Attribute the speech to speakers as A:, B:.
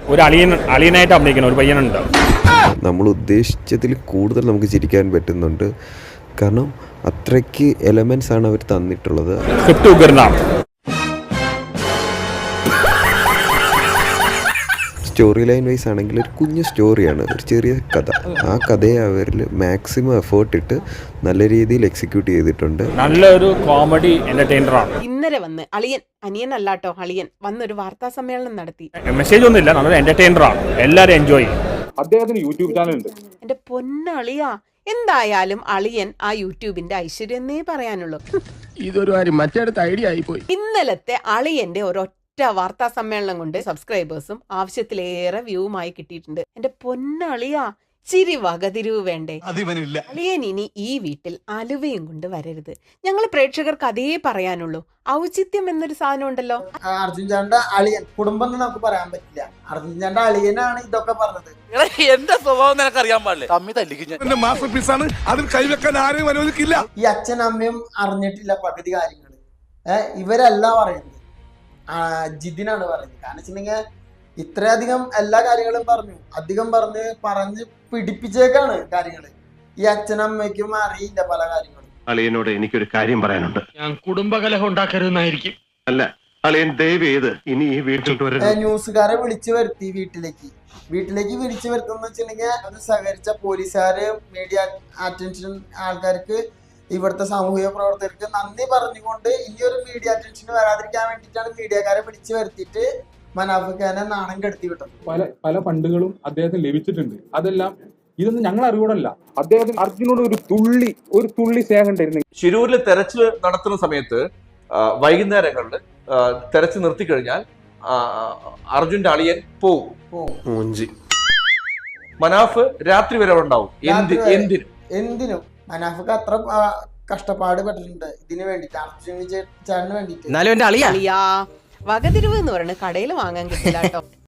A: ഒരു അളിയനായിട്ട് അഭിനയിക്കണം ഒരു പയ്യനുണ്ട്.
B: നമ്മൾ ഉദ്ദേശിച്ചതിൽ കൂടുതൽ നമുക്ക് ചിരിക്കാൻ പറ്റുന്നുണ്ട്. കാരണം അത്രയ്ക്ക് എലമെൻസ് ആണ് അവർ തന്നിട്ടുള്ളത്.
A: സ്ക്രിപ്റ്റ് ഉഗ്രനാണ്.
B: സ്റ്റോറി ലൈൻ വൈസ് ആണെങ്കിൽ ഒരു കുഞ്ഞു സ്റ്റോറിയാണ്, ഒരു ചെറിയ കഥ. ആ കഥയെ അവരിൽ മാക്സിമം എഫേർട്ട് ഇട്ട് നല്ല രീതിയിൽ എക്സിക്യൂട്ട് ചെയ്തിട്ടുണ്ട്.
A: നല്ലൊരു കോമഡി എന്റർടൈനറാണ്.
C: ഇന്നലെ വന്ന് അനിയനല്ലാട്ടോ അളിയൻ വന്നൊരു വാർത്താ സമ്മേളനം നടത്തി.
A: മെസ്സേജ് ഒന്നുമില്ല, നല്ലൊരു എന്റർടൈനറാണ്. എല്ലാവരും എൻജോയ് ചെയ്യും.
D: അദ്ദേഹത്തിന് യൂട്യൂബ് ചാനലുണ്ട്.
C: എന്റെ പൊന്നളിയാ, എന്തായാലും അളിയൻ ആ യൂട്യൂബിന്റെ ഐശ്വര്യം എന്നേ പറയാനുള്ളൂ.
E: ഇതൊരു കാര്യം മറ്റേടത്ത് ഐഡിയ ആയിപ്പോയി.
C: ഇന്നലത്തെ അളിയന്റെ ഒരൊറ്റ വാർത്താ സമ്മേളനം കൊണ്ട് സബ്സ്ക്രൈബേഴ്സും ആവശ്യത്തിലേറെ വ്യൂവുമായി കിട്ടിയിട്ടുണ്ട്. എന്റെ പൊന്നളിയാ, ചിരി വകതിരിവ് വേണ്ടേ? അളിയൻ ഇനി ഈ വീട്ടിൽ അലുവയും കൊണ്ട് വരരുത്. ഞങ്ങൾ പ്രേക്ഷകർക്ക് അതേ പറയാനുള്ളൂ. ഔചിത്യം എന്നൊരു സാധനം ഉണ്ടല്ലോ.
F: അർജുൻ ചാന്റെ അളിയൻ കുടുംബം എന്ന് നമുക്ക് പറയാൻ പറ്റില്ല. അർജുൻ ചാന്റെ അളിയനാണ് ഇതൊക്കെ പറഞ്ഞത്.
G: എന്റെ സ്വഭാവം നിനക്ക് അറിയാൻ പാടില്ല. തമ്മി തല്ലിക്കും.
E: മാസ്റ്റർ പീസാണ്, അതിൽ കൈവെക്കാൻ ആരെയും അനുവദിക്കില്ല.
F: ഈ അച്ഛനും അമ്മയും അറിഞ്ഞിട്ടില്ല പകുതി കാര്യങ്ങൾ. ഇവരല്ല പറയുന്നത്, ജിതിനാണ് പറയുന്നത്. കാരണം വെച്ചിട്ടുണ്ടെങ്കിൽ ഇത്രയധികം എല്ലാ കാര്യങ്ങളും അധികം പറഞ്ഞ് പിടിപ്പിച്ചേക്കാണ് കാര്യങ്ങൾ. ഈ അച്ഛനമ്മയ്ക്കും അറിയില്ല പല കാര്യങ്ങളും.
H: അളിയനോട് എനിക്കൊരു കാര്യം പറയാനുണ്ട്.
G: ഞാൻ കുടുംബകലഹം ഉണ്ടാക്കരുതെന്നായിരിക്കും.
H: അല്ല, അളിയൻ ദയവ് ചെയ്ത് ഇനി ഈ വീട്ടിൽ
F: ന്യൂസുകാരെ വിളിച്ചു വരുത്തി വീട്ടിലേക്ക് വിളിച്ചു വരുത്തുന്ന വെച്ചിട്ടുണ്ടെങ്കിൽ അത് സഹകരിച്ച പോലീസുകാര്, മീഡിയ അറ്റൻഷൻ ആൾക്കാർക്ക്, ഇവിടുത്തെ സാമൂഹിക പ്രവർത്തകർക്ക് നന്ദി പറഞ്ഞുകൊണ്ട് ഇനിയൊരു മീഡിയ അറ്റൻഷൻ വരാതിരിക്കാൻ വേണ്ടിയിട്ടാണ് മീഡിയക്കാരെ വിളിച്ചു വരുത്തിയിട്ട് മനാഫിക്കാനെ നാണം കെടുത്തി വിട്ടത്.
D: പല ഫണ്ടുകളും അദ്ദേഹത്തിന് ലഭിച്ചിട്ടുണ്ട്. അതെല്ലാം ഇതൊന്നും ഞങ്ങൾ അറിവോടല്ല. അദ്ദേഹത്തിന് അർജുനോട് ഒരു തുള്ളി സ്നേഹം ഉണ്ടായിരുന്നു.
I: ശിരൂരിൽ തെരച്ചിൽ നടത്തുന്ന സമയത്ത് വൈകുന്നേരങ്ങളിൽ തെരച്ചിൽ നിർത്തിക്കഴിഞ്ഞാൽ അർജുന്റെ അളിയൻ പോവും. മനാഫ് രാത്രി വരെ ഉണ്ടാവും.
F: എന്തിനും മനാഫിക്ക് അത്ര കഷ്ടപ്പാട് പെട്ടിട്ടുണ്ട് ഇതിനു വേണ്ടിട്ട്, അർജുൻ ചേട്ടന് വേണ്ടിട്ട്.
C: അളിയാ, വകതിരിവ് എന്ന് പറയുന്നത് കടയിൽ വാങ്ങാൻ കിട്ടില്ല കേട്ടോ.